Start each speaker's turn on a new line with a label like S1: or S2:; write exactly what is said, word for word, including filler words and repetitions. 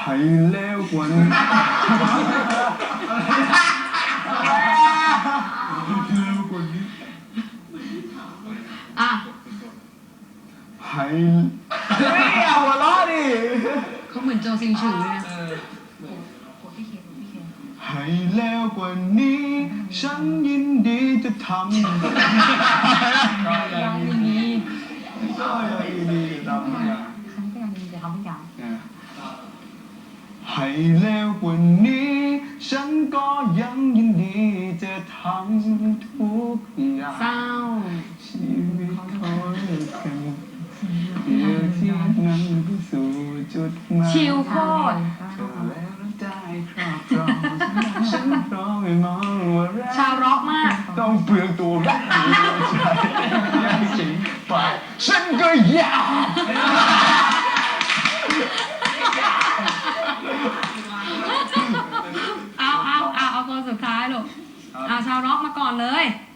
S1: ให้เลวกว่านี้เลวกว่านี้
S2: อ่ะ
S1: ให้ไม่เอาหัวเราะดิ
S2: เขาเหมือนโจซิงฉือเลยนะ
S1: ให้แล้วกว่านี้ฉันยินดีจะทำ
S2: ก็ยังยินดี
S1: ก็ยังยินดีจะทำ
S2: ฉันก็ยังยินดีจะทำทุกอย่าง
S1: ให้แล้วกว่านี้ฉันก็ยังยินดีจะทำทุกอย่าง
S2: เศร้า
S1: ชีวิตของกันเดียวที่นั้นไปสู่จุดหมาย
S2: ชิลโคตร
S1: ฉันพร้อมไม่มองว่ารัก
S2: ชาวร็อกมาก
S1: ต้องเปลืองตัวรักหัวใจยังจริงไปฉันก็อยาก
S2: เอาเอาเอาเอาคนสุดท้ายลูกเอาชาวร็อกมาก่อนเลย